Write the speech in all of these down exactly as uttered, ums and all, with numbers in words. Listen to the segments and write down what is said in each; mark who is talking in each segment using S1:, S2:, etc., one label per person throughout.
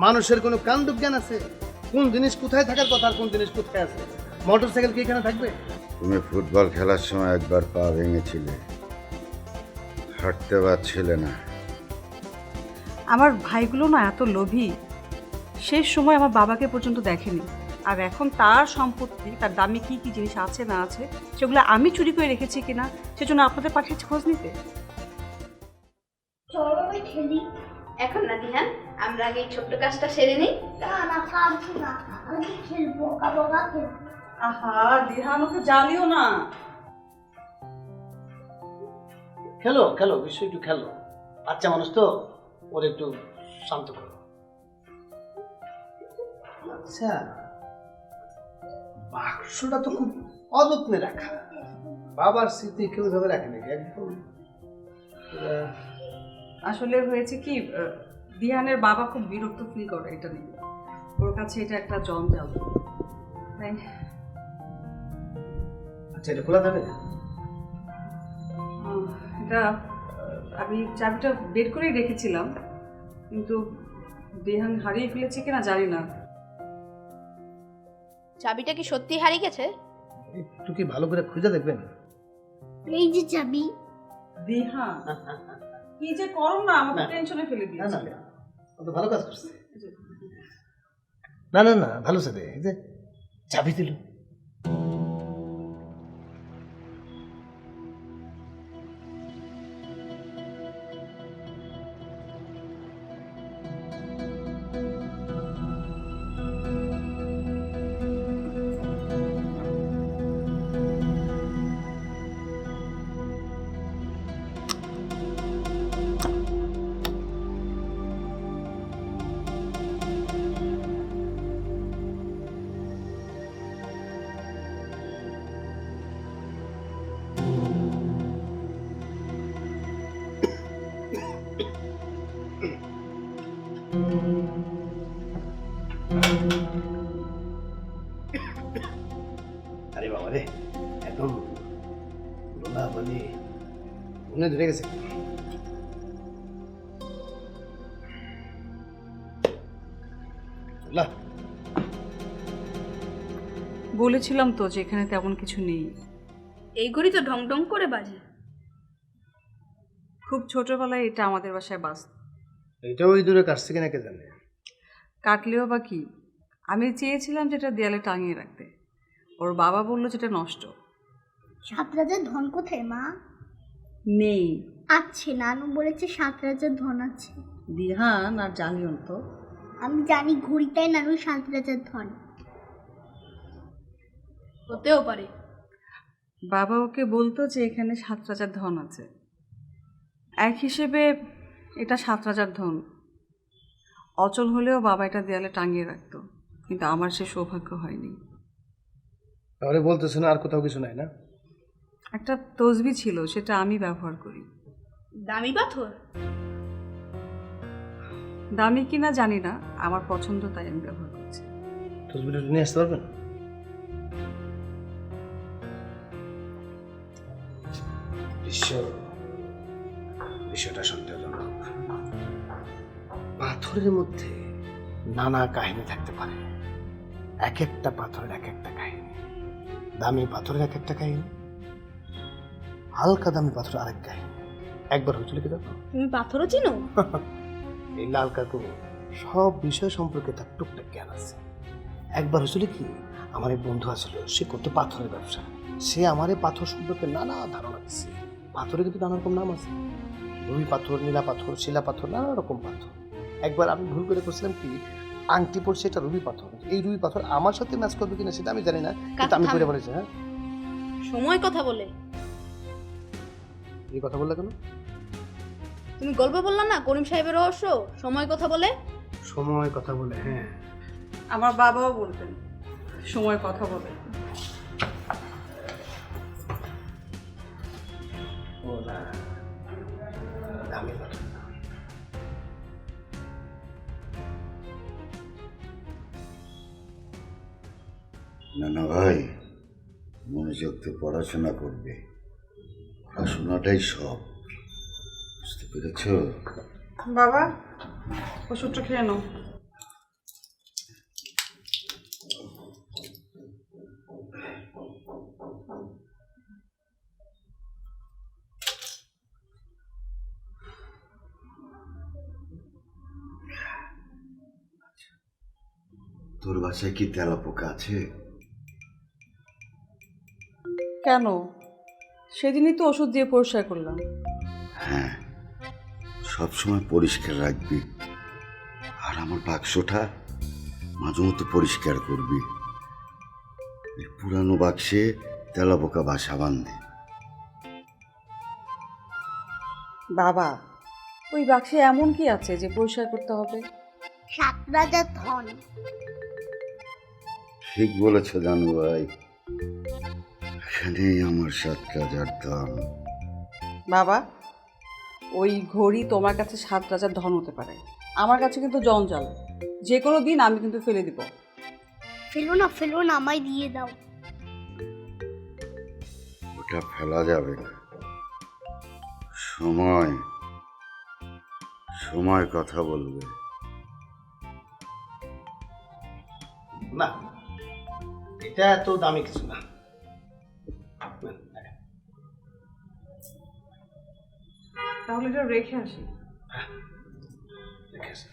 S1: মানুষের কোনো কাণ্ড জ্ঞান আছে? কোন জিনিস কোথায় থাকার কথা আর কোন জিনিস কোথায় আছে? মোটর সাইকেল কি এখানে থাকবে?
S2: তুমি ফুটবল খেলার সময় একবার পা ভেঙেছিলে, হাঁটতে পারছিলে না।
S3: আমার ভাইগুলো না এত লোভী, শেষ সময় আমার বাবাকে পর্যন্ত দেখেনি। আর এখন তার সম্পত্তি, তার দামি কি কি জিনিস আছে না আছে সেগুলো আমি চুরি করে রেখেছি কিনা সেজন্য আপনাদের পাঠিয়েছি খোঁজ নিতে।
S4: চলো ভাই খেলি। এখন না দিহান, আমরা আগে এই ছোট্ট কাজটা সেরে নিই। না না পারবো না, আমি খেলবো, কাবাবা খেলবো।
S3: আহা দিহান, ওকে জ্বালিও না।
S1: খেলো খেলো, বিশ্ব একটু খেলো, বাচ্চা মানুষ তো, ওর একটু শান্ত করো। আচ্ছা, বাক্সটা তো খুব অযত্নে রাখা, বাবার স্মৃতি কেউ ভাবে রাখে নাকি একদম? আহ,
S3: আসলে হয়েছে কি, আহ, দিহানের বাবা খুব বিরক্ত ফিল করে এটা নিয়ে, ওর কাছে এটা একটা জঞ্জাল। তাই
S1: আচ্ছা, এটা খোলা যাবে?
S3: আহ, এটা আহ, আমি চাবিটা বের করেই রেখেছিলাম, কিন্তু দিহান হারিয়ে ফেলেছে কিনা জানি না।
S4: চাবিটা কি সত্যি হারিয়ে গেছে?
S1: একটু কি ভালো করে খুঁজে দেখবেন?
S4: এই যে চাবি।
S3: দিহান কি যে করো না, আমাকে
S1: না।
S3: টেনশনে ফেলে
S1: না
S3: দিয়েছে।
S1: না, ও তো ভালো কাজ করছে। না না না, ভালো সাথে এই যে চাবি দিল। আরে বাবা রে, একদম লোলা বলি মনে ধরে গেছে। লোলা,
S3: বলেছিলাম তো যে এখানে তেমন কিছু নেই।
S4: এই ঘড়ি তো ঢং ঢং করে বাজে।
S3: খুব ছোটবেলায় এটা আমাদের বাসায় বাস,
S1: এটা ওই দূরে কাটছে কিনা কে জানে।
S3: কাটলেও বা কি, আমি চেয়েছিলাম যেটা দেয়ালে টাঙিয়ে রাখতে, ওর বাবা বললো যেটা নষ্ট।
S5: সাত রাজার ধন কোথায় মা?
S3: নেই।
S5: আছে, নানু বলেছে সাত রাজার ধন আছে।
S3: দিহান আর জানিও তো।
S5: আমি জানি ঘড়িটাই নানু সাত রাজার ধন।
S4: হতেও পারে।
S3: বাবা ওকে বলতো যে এখানে সাত রাজার ধন আছে, এক হিসেবে এটা সাত রাজার ধন। অচল হলেও বাবা এটা দেয়ালে টাঙিয়ে রাখতো, কিন্তু আমার সে সৌভাগ্য হয়নি।
S1: তাহলে বলতেছো না আর কোথাও কিছু নাই না?
S3: একটা তসবি ছিল, সেটা আমি ব্যবহার করি।
S4: দামি পাথর?
S3: দামি কিনা জানি না, আমার পছন্দ তাই আমি ব্যবহার করছি।
S1: তসবিটা নিয়ে আসতে পারবেন? বিশ্ব বিষয়টা সন্দেহজনক। পাথরের মধ্যে নানা কাহিনী থাকতে পারে, এক একটা পাথরের এক একটা কাহিনী। দামি পাথরের এক একটা কাহিনী, হালকা দামি পাথর আরেক কাহিনী। একবার হয়েছিল কি দেখো,
S4: তুমি পাথরও চিনো?
S1: এই লাল কাকু সব বিষয় সম্পর্কে তার টুকটাক জ্ঞান আছে। একবার হয়েছিল কি, আমার এক বন্ধু আছিল, সে করতো পাথরের ব্যবসা। সে আমার এই পাথর সম্পর্কে নানা ধারণা দিচ্ছে। পাথরে কিন্তু নানা রকম নাম আছে, রুই পাথর, নীলা পাথর, শিলা পাথর, নানা রকম পাথর। একবার আমি ভুল করে করছিলাম কি, আংটি পড়ছে এটা রুবি পাথর, এই রুবি পাথর আমার সাথে ম্যাচ করবে কিনা সেটা আমি জানি না, কিন্তু আমি করে বলেছি। হ্যাঁ,
S4: সময় কথা বলে।
S1: এই কথা বললে কেন?
S4: তুমি গল্প বললা না করিম সাহেবের রহস্য, সময় কথা বলে।
S1: সময় কথা বলে, হ্যাঁ।
S3: আমার বাবাও বলতেন সময় কথা বলে।
S1: ও না, দামি পাথর না।
S2: না না ভাই, মনোযোগ দিয়ে পড়াশোনা করবে, পড়াশোনাটাই সব, বুঝতে পেরেছ?
S3: বাবা ওষুধটা খেয়ে নাও।
S2: তোর বাসায় কি তেলা পোকা আছে?
S3: কেন? সেদিনই তো ওষুধ দিয়ে পরিষ্কার করলাম।
S2: হ্যাঁ, সবসময় পরিষ্কার রাখবি। আর আমার বাক্সটা মাঝে মতো পরিষ্কার করবি। এই পুরানো বাক্সে তেলা পোকা বাসা বাঁধে।
S3: বাবা, ওই বাক্সে এমন কি আছে যে পরিষ্কার করতে হবে?
S5: সাত রাজার ধন।
S2: ঠিক বলেছ জানু ভাই, এখানেই আমার সাত রাজার দাম।
S3: বাবা, ওই ঘড়ি তোমার কাছে সাত রাজার ধন হতে পারে, আমার কাছে কিন্তু জঞ্জাল। যে কোনো দিন আমি কিন্তু ফেলে দিব।
S5: ফেলো না, ফেলো না, আমায় দিয়ে দাও।
S2: ওটা ফেলা যাবে না। সময় সময় কথা বলবে।
S1: না, এটা এত দামি কিছু না।
S3: তাহলে এটা রেখে আসি।
S1: রেখে আসি।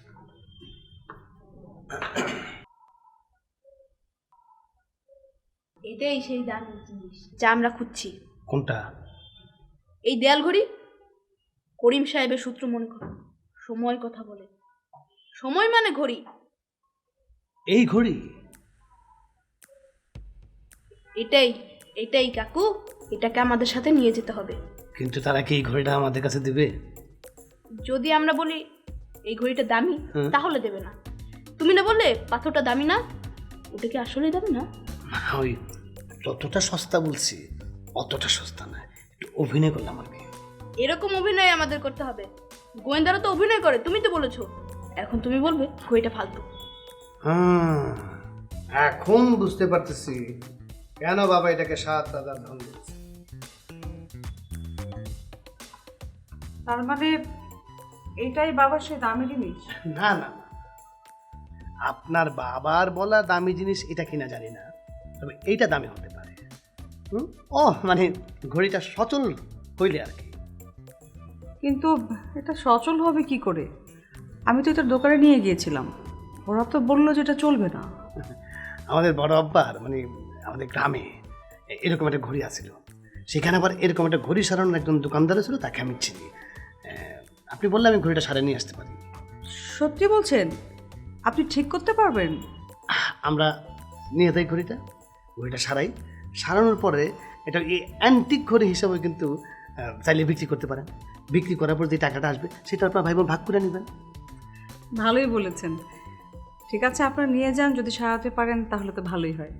S4: এটাই সেই দামি জিনিস যা আমরা খুঁজছি।
S1: কোনটা?
S4: এই দেয়াল ঘড়ি করিম সাহেবের সূত্র মনে করো, সময় কথা বলে। সময় মানে ঘড়ি।
S1: এই ঘড়ি?
S4: এটাই এটাই কাকু, এটাকে আমাদের সাথে নিয়ে যেতে হবে।
S1: কিন্তু তারা কি এই ঘড়িটা আমাদের কাছে দিবে?
S4: যদি আমরা বলি এই ঘড়িটা দামি,
S1: হুম।
S4: তাহলে দেবে না। তুমি না বললে পাথরটা দামি না, ওটা কি আসলেই দামি না?
S1: ওই যতটা সস্তা বলছি অতটা সস্তা না, একটু অভিনয় করলাম আর কি।
S4: এরকম অভিনয় আমাদের করতে হবে। গোয়েন্দারা তো অভিনয় করে, তুমি তো বলেছো। এখন তুমি বলবে ঘড়িটা ফালতু।
S1: হ্যাঁ, এখন বুঝতে পারতেছি কেন বাবা এটাকে সাত রাজার ধন দিচ্ছে।
S3: তার মানে এটাই বাবার সেই দামি জিনিস?
S1: না না না, আপনার বাবার বলা দামি জিনিস এটা কিনা জানি না, তবে এইটা দামি হতে পারে। হুম? ও মানে ঘড়িটা সচল হইলে আর কি।
S3: কিন্তু এটা সচল হবে কি করে? আমি তো এটা দোকানে নিয়ে গিয়েছিলাম, ওরা তো বললো যে এটা চলবে না।
S1: আমাদের বড় আব্বার মানে আমাদের গ্রামে এ- এরকম একটা ঘড়ি আছিল। সেখানে আবার এরকম একটা ঘড়ি সারানোর একজন দোকানদার ছিল, তাকে আমি চিনি। আহ, আপনি বললে আমি ঘড়িটা সারিয়ে নিয়ে আসতে পারি।
S3: সত্যি বলছেন? আপনি ঠিক করতে পারবেন?
S1: আহ, আমরা নিয়ে যাই ঘড়িটা, ঘড়িটা সারাই, সারানোর পরে এটা এই অ্যান্টিক ঘড়ি হিসাবে কিন্তু আহ, চাইলে বিক্রি করতে পারেন। বিক্রি করার পর যে টাকাটা আসবে সেটা আপনার ভাই বোন ভাগ করে নেবেন।
S3: ভালোই বলেছেন। ঠিক আছে, আপনারা নিয়ে যান, যদি সারাতে পারেন তাহলে তো ভালোই হয়।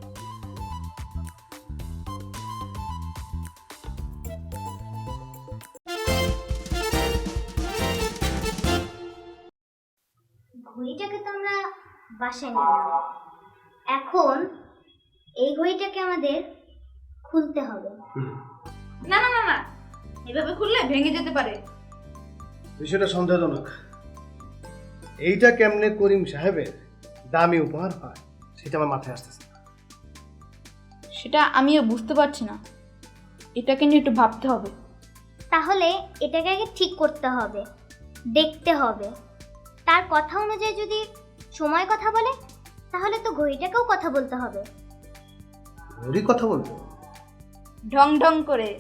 S5: ঘড়িটাকে তো আমরা বাসায় নিলাম, এখন এই ঘড়িটাকে আমাদের খুলতে হবে।
S4: না না না না, এভাবে খুললে ভেঙে যেতে পারে।
S1: বিষয়টা সন্দেহজনক। এইটা কেমনে করিম সাহেবের দামি উপহার হয় সেটা আমার মাথায় আসতেছে না।
S4: সেটা আমিও বুঝতে পারছি না, এটাকে নিয়ে একটু ভাবতে হবে।
S5: তাহলে এটাকে আগে ঠিক করতে হবে, দেখতে হবে। তার কথা অনুযায়ী যদি সময় কথা বলে, তাহলে তো ঘড়িটাকেও কথা বলতে হবে।
S1: ঘড়ি কথা বলবো?
S4: ঢং ঢং করে।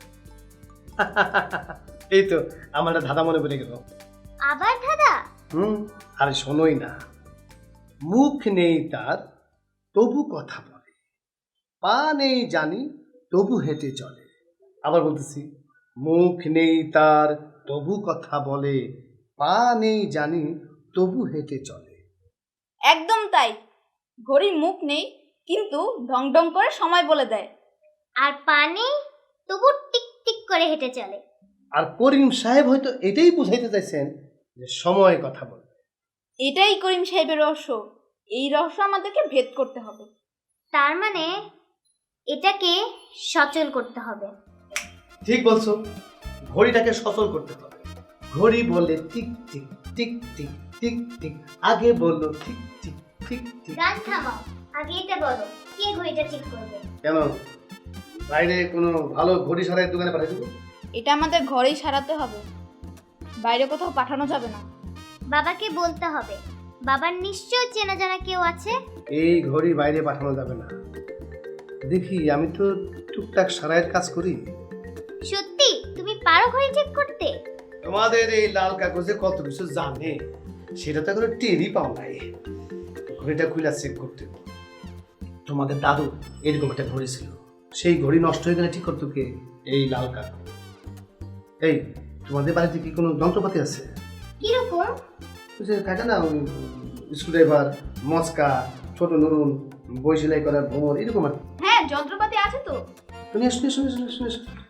S1: এই তো আমার একটা ধাঁধা মনে পড়ে গেল।
S5: আবার দাদা?
S1: হুম, আরে শোনোই না। মুখ নেই তার তবু কথা বলে, পা নেই জানি তবু হেঁটে চলে। আবার বলতেছি, মুখ নেই তার তবু কথা বলে, পা নেই জানি তবু হেঁটে চলে।
S4: একদম তাই, ঘড়ির মুখ নেই কিন্তু ঢং ঢং করে সময় বলে দেয়।
S5: আর পানি তবু টিক টিক করে হেঁটে চলে।
S1: আর করিম সাহেব হয়তো এটাই বুঝাইতে চাইছেন যে সময় কথা বলে।
S4: এটাই করিম সাহেবের রহস্য। এই রহস্য আমাদেরকে ভেদ করতে হবে।
S5: তার মানে এটাকে সচল করতে হবে।
S1: ঠিক বলছো, ঘড়িটাকে সচল করতে হবে। ঘড়ি বলে tick tick tick tick tick tick, আগে বললো ঠিক ঠিক ঠিক ঠিক।
S5: গান থামাও, আগে এটা বলো, কে ঘড়িটা ঠিক করবে?
S1: কেন, বাইরে কোনো ভালো ঘড়ি সারাই দোকানে পাঠিয়ে দেবো?
S4: এটা আমাদের ঘরেই সারাতে হবে, বাইরে কোথাও পাঠানো যাবে না।
S5: বাবাকে বলতে হবে, বাবার নিশ্চয় চেনা জানা কেউ আছে।
S1: এই ঘড়ি বাইরে পাঠানো যাবে না। দেখি, আমি তো টুকটাক সারাইয়ের কাজ করি।
S5: সত্যি তুমি পারো ঘড়ি ঠিক করতে?
S1: তোমাদের এই লাল কাগজে কত কিছু জানে সেটা তো এখনো টেরই পাও নাই। ঘড়িটা খুলে চেক করতে হবে। তোমাদের দাদু এরকম একটা ঘড়ি ছিল, সেই ঘড়ি নষ্ট হয়ে গেলে ঠিক করতো কে? এই লাল কাগজ। এই, তোমাদের বাড়িতে কি কোনো যন্ত্রপাতি আছে?
S5: কিরকম?
S1: ওই যে থাকে না, ওই স্ক্রুড্রাইভার, মস্কা, ছোট নুরুন, বই সেলাই করার ভ্রমর, এরকম আর কি।
S4: হ্যাঁ, যন্ত্রপাতি আছে তো।
S1: শুনে শুনে শুনে শুনে শুনে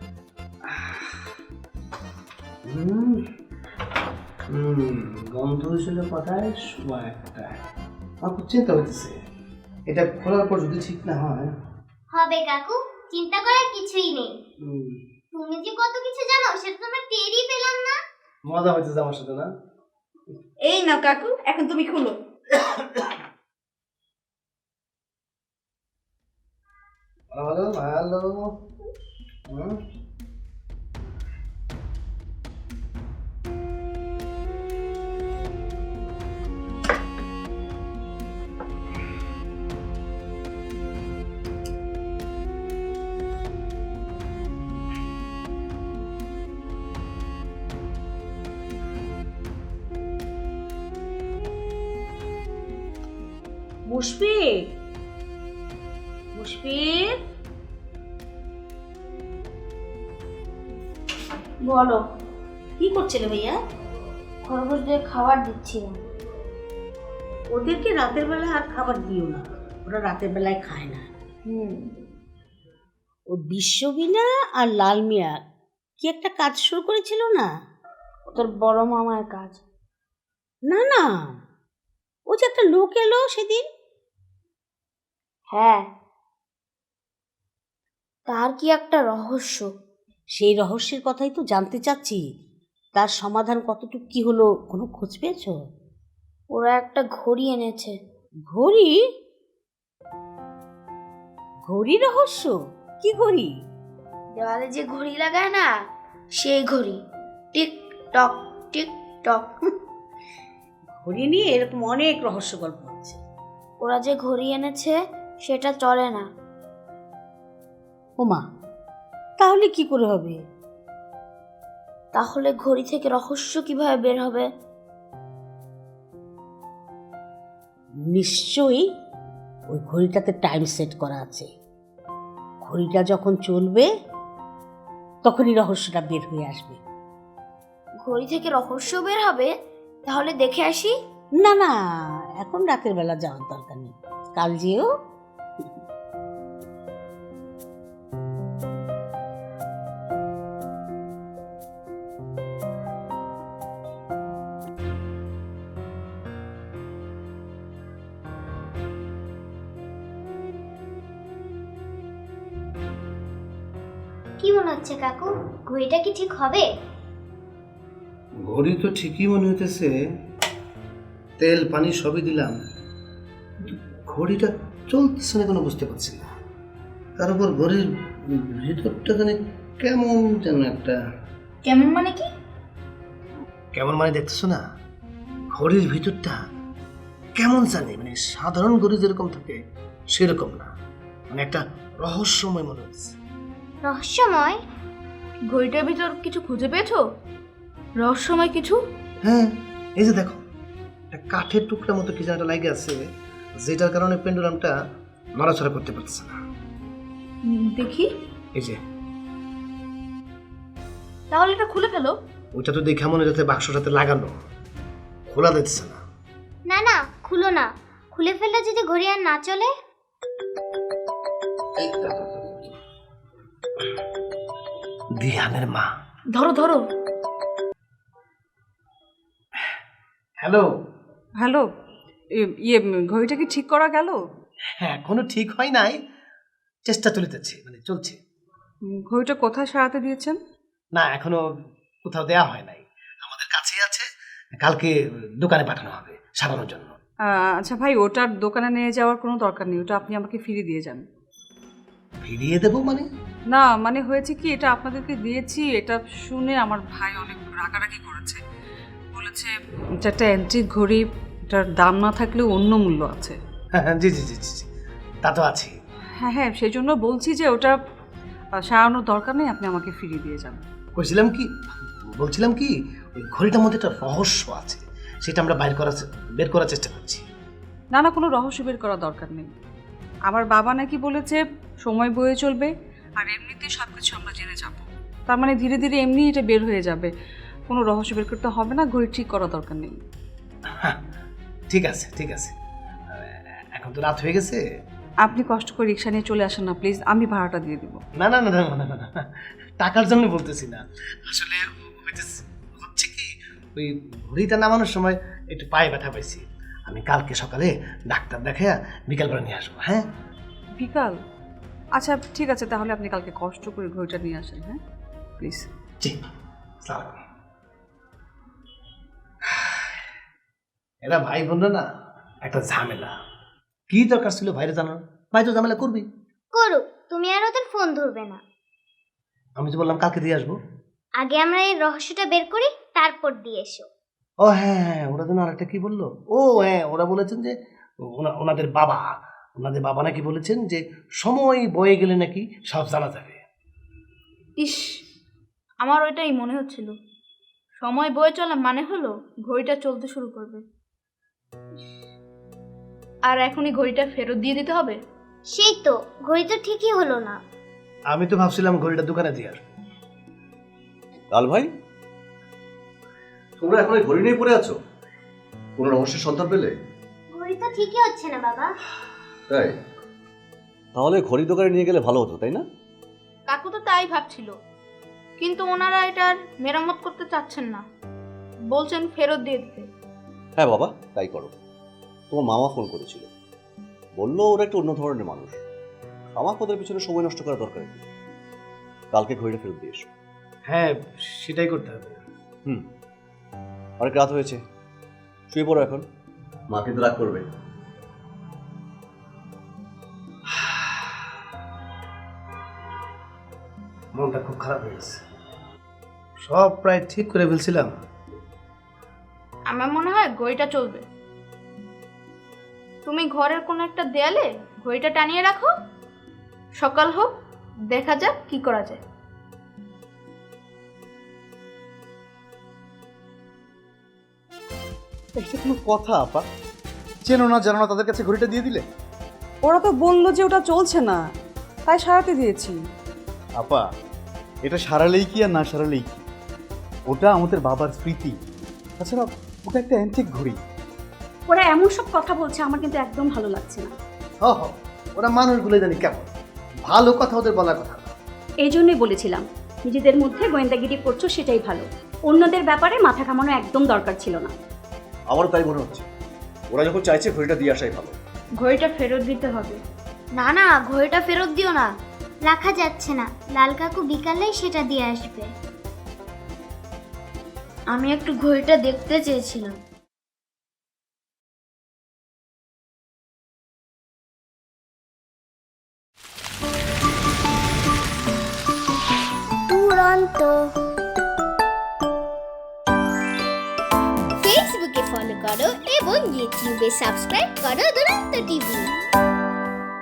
S1: হুম হুম গন্ধ হয়েছিল কথায় শোয়া একটা। আমার খুব চিন্তা হইতেছে, এটা খোলার পর যদি ঠিক না হয়।
S5: হবে কাকু, চিন্তা করার কিছুই নেই।
S1: হুম,
S5: তুমি যে কত কিছু জানো সেটা তো আমরা টেরই পেলাম না।
S1: মজা হইতেছে আমার সাথে না?
S4: এই নাও কাকু, এখন তুমি খুলো।
S1: ভালো ভালো। হুম,
S3: মুশফিক, মুশফিক,
S6: বলো,
S3: কি করছিলে ভাইয়া?
S6: খরগোশদের খাবার দিচ্ছিলাম।
S3: ওদেরকে রাতের বেলা আর খাবার দিও না, ওরা রাতের বেলায় খায় না।
S6: হুম
S7: ও বিশ্ববিনা আর লাল মিয়া কি একটা কাজ শুরু করেছিল না?
S6: ওদের বড় মামার কাজ।
S7: না না, ও যে একটা লোক এলো সেদিন।
S6: হ্যাঁ, তার কি একটা রহস্য।
S7: সেই রহস্যের কথাই তো জানতে চাচ্ছি। তার সমাধান কতটুকু কি হলো, কোনো খোঁজ পেয়েছো?
S6: ওরা একটা ঘড়ি এনেছে।
S7: ঘড়ি? ঘড়ি রহস্য? কি ঘড়ি?
S6: দেওয়ালে যে ঘড়ি লাগায় না, সেই ঘড়ি। Tick tock tick tock.
S7: ঘড়ি নিয়ে এরকম অনেক রহস্য গল্প আছে।
S6: ওরা যে ঘড়ি এনেছে সেটা চলে না।
S7: ওমা, তাহলে কি করে হবে?
S6: তাহলে ঘড়ি থেকে রহস্য কিভাবে বের হবে?
S7: নিশ্চয়ই ওই ঘড়িটাতে টাইম সেট করা আছে। ঘড়িটা যখন চলবে তখনই রহস্যটা বের হয়ে আসবে।
S6: ঘড়ি থেকে রহস্য বের হবে? তাহলে দেখে আসি।
S7: না না, এখন রাতের বেলা যাওয়ার দরকার নেই, কাল যেও।
S5: কি মনে হচ্ছে কাকু, ঘড়িটা কি ঠিক হবে?
S1: ঘড়ি তো ঠিকই মনে হইতেছে, তেল পানি সবই দিলাম, কিন্তু ঘড়িটা চলতেছে না, কোনো বুঝতে পারছি না। তার উপর ঘড়ির ভিতরটা জানি কেমন যেন একটা।
S4: কেমন মানে কি?
S1: কেমন মানে দেখতেছো না, ঘড়ির ভিতরটা কেমন জানি, মানে সাধারণ ঘড়ি যেরকম থাকে সেরকম না, মানে একটা রহস্যময় মনে হচ্ছে।
S5: রহস্যময়?
S4: ঘড়িটার ভিতর কিছু খুঁজে পেয়েছো? রহস্যময় কিছু?
S1: হ্যাঁ, এই যে দেখো, একটা কাঠের টুকরা মতো কি যেন একটা লাগে আছে, যেটার কারণে পেন্ডুলামটা নড়াচড়া করতে পারছে না।
S4: উম, দেখি।
S1: এই যে
S4: তাহলে এটা খুলে ফেলো।
S1: ওইটা তো দেখে মনে হচ্ছে বাক্সটাতে লাগানো, খোলা দিচ্ছে না।
S5: না না, খুলো না। খুলে ফেললে যদি ঘড়ি আর না চলে?
S1: দিহানের মা।
S4: ধরো ধরো।
S1: হ্যালো।
S3: হ্যালো, ইয়ে ঘড়িটা কি ঠিক করা গেল?
S1: হ্যাঁ, এখনো ঠিক হয় নাই, চেষ্টা চলিতেছে, মানে চলছে।
S3: উম, ঘড়িটা কোথায় সারাতে দিয়েছেন?
S1: না, এখনো কোথাও দেয়া হয় নাই, আমাদের কাছেই আছে, কালকে দোকানে পাঠানো হবে সারানোর জন্য।
S3: আহ, আচ্ছা ভাই, ওটার দোকানে নিয়ে যাওয়ার কোনো দরকার নেই, ওটা আপনি আমাকে ফিরিয়ে দিয়ে যান।
S1: ফিরিয়ে দেবো মানে?
S3: না মানে হয়েছে কি, এটা আপনাদেরকে দিয়েছি, এটা শুনে আমার ভাই অনেক রাগারাগি করেছে, বলেছে এটা একটা অ্যান্টিক ঘড়ি, এটা এটার দাম না থাকলেও অন্য মূল্য আছে।
S1: হ্যাঁ জি জি জি জি জি, তা তো আছে।
S3: হ্যাঁ হ্যাঁ, সেই জন্য বলছি যে ওটা আহ, সারানোর দরকার নেই, আপনি আমাকে ফিরিয়ে দিয়ে যান।
S1: কইছিলাম কি, বলছিলাম কি, ওই ঘড়িটার মধ্যে একটা রহস্য আছে, সেটা আমরা বাইর করার বের করার চেষ্টা করছি।
S3: না না, কোনো রহস্য বের করার দরকার নেই। আমার বাবা নাকি বলেছে সময় বয়ে চলবে, আর এমনিতেই সব কিছু আমরা জেনে যাব। তার মানে ধীরে ধীরে এমনি এটা বের হয়ে যাবে, কোনো রহস্য বের করতে হবে না, ঘড়ি ঠিক করার দরকার নেই।
S1: হ্যাঁ, ঠিক আছে ঠিক আছে, এখন তো রাত হয়ে গেছে।
S3: আপনি কষ্ট করে রিক্সা নিয়ে চলে আসেন না প্লিজ, আমি ভাড়াটা দিয়ে দিব।
S1: না না না না না না না, টাকার জন্য বলতেছি না, আসলে হইতেছে- হচ্ছে কি, ওই ঘড়িটা নামানোর সময় একটু পায়ে ব্যথা পাইছি। আমি কালকে সকালে ডাক্তার দেখাইয়া বিকালবেলা নিয়ে আসবো। হ্যাঁ
S3: বিকাল? আচ্ছা ঠিক আছে, তাহলে আপনি কালকে কষ্ট করে ঘড়িটা নিয়ে আসেন। হ্যাঁ প্লিজ।
S1: জি, আসসালামু আলাইকুম। এরা ভাই বোনরা না একটা ঝামেলা। কি দরকার ছিল ভাইরে জানার? ভাই তো ঝামেলা করবি।
S5: করুক, তুমি আর ওদের ফোন ধরবে না।
S1: আমি তো বললাম কালকে দিয়ে আসবো।
S5: আগে আমরা এই রহস্যটা বের করি, তারপর দিয়ে এসো।
S1: ও হ্যাঁ হ্যাঁ, ওরা যেন আরেকটা কি বললো, ও হ্যাঁ, ওরা বলেছেন যে ওনা- ওনাদের বাবা ওনাদের বাবা নাকি বলেছেন যে সময় বয়ে গেলে নাকি সব জানা যাবে।
S4: ইস, আমার ওইটাই মনে হচ্ছিল। সময় বয়ে চলা মানে হলো ঘড়িটা চলতে শুরু করবে। আর এখনই ঘড়িটা ফেরত দিয়ে দিতে হবে।
S5: সেই তো, ঘড়ি তো ঠিকই হলো না।
S1: আমি তো ভাবছিলাম ঘড়িটা দোকানে দিয়ে আসবো।
S8: লাল ভাই, তোমরা এখন এই ঘড়ি নিয়ে পড়ে আছো? কোনো রহস্যের সন্ধান পেলে?
S5: ঘড়ি তো ঠিকই হচ্ছে না বাবা।
S8: তাই? তাহলে ঘড়ি দোকানে নিয়ে গেলে ভালো হতো, তাই না?
S4: কাকু তো তাই ভাবছিল, কিন্তু ওনারা এটার মেরামত করতে চাচ্ছেন না, বলছেন ফেরত দিয়ে দিতে।
S8: হ্যাঁ বাবা, তাই করো। তোমার মামা ফোন করেছিল, বললো ওরা একটু অন্য ধরনের মানুষ, আমার ওদের পিছনে সময় নষ্ট করা দরকার নেই। কালকে ঘড়িটা ফেরত দিয়ে এসো।
S1: হ্যাঁ, সেটাই করতে হবে।
S8: হুম, অনেক রাত হয়েছে, শুয়ে পড়ো এখন, মা কিন্তু রাগ করবে।
S1: মনটা খুব খারাপ হয়ে গেছে, সব প্রায় ঠিক করে ফেলছিলাম।
S4: আমার মনে হয় ঘড়িটা চলবে। তুমি ঘরের কোনো একটা দেয়ালে ঘড়িটা টানিয়ে রাখো, সকাল হোক, দেখা যাক কি করা যায়।
S9: এটা কোনো কথা আপা? চেনো না জানো না, তাদের কাছে ঘড়িটা দিয়ে দিলে?
S3: ওরা তো বললো যে ওটা চলছে না, তাই সারাতে দিয়েছি।
S9: আপা, এটা সারালেই কি আর না সারালেই কি, ওটা আমাদের বাবার স্মৃতি। তাছাড়া ওটা একটা অ্যান্টিক ঘড়ি।
S10: ওরা এমন সব কথা বলছে, আমার কিন্তু একদম ভালো লাগছে না।
S1: হ হ, ওরা মানুষগুলো জানি কেমন, ভালো কথা ওদের বলার কথা না।
S10: এই জন্যই বলেছিলাম, নিজেদের মধ্যে গোয়েন্দাগিরি করছো সেটাই ভালো, অন্যদের ব্যাপারে মাথা ঘামানো একদম দরকার ছিল না।
S8: আমারও তাই মনে হচ্ছে, ওরা যখন চাইছে ঘড়িটা দিয়ে আসাই ভালো।
S4: ঘড়িটা ফেরত দিতে হবে।
S6: না না, ঘড়িটা ফেরত দিও না।
S5: রাখা যাচ্ছে না, লাল কাকু বিকালেই সেটা দিয়ে আসবে।
S6: আমি একটু ঘড়িটা দেখতে চেয়েছিলাম।
S5: দুরন্ত। ফেসবুকে ফলো করো এবং ইউটিউবে সাবস্ক্রাইব করো দুরন্ত টিভি।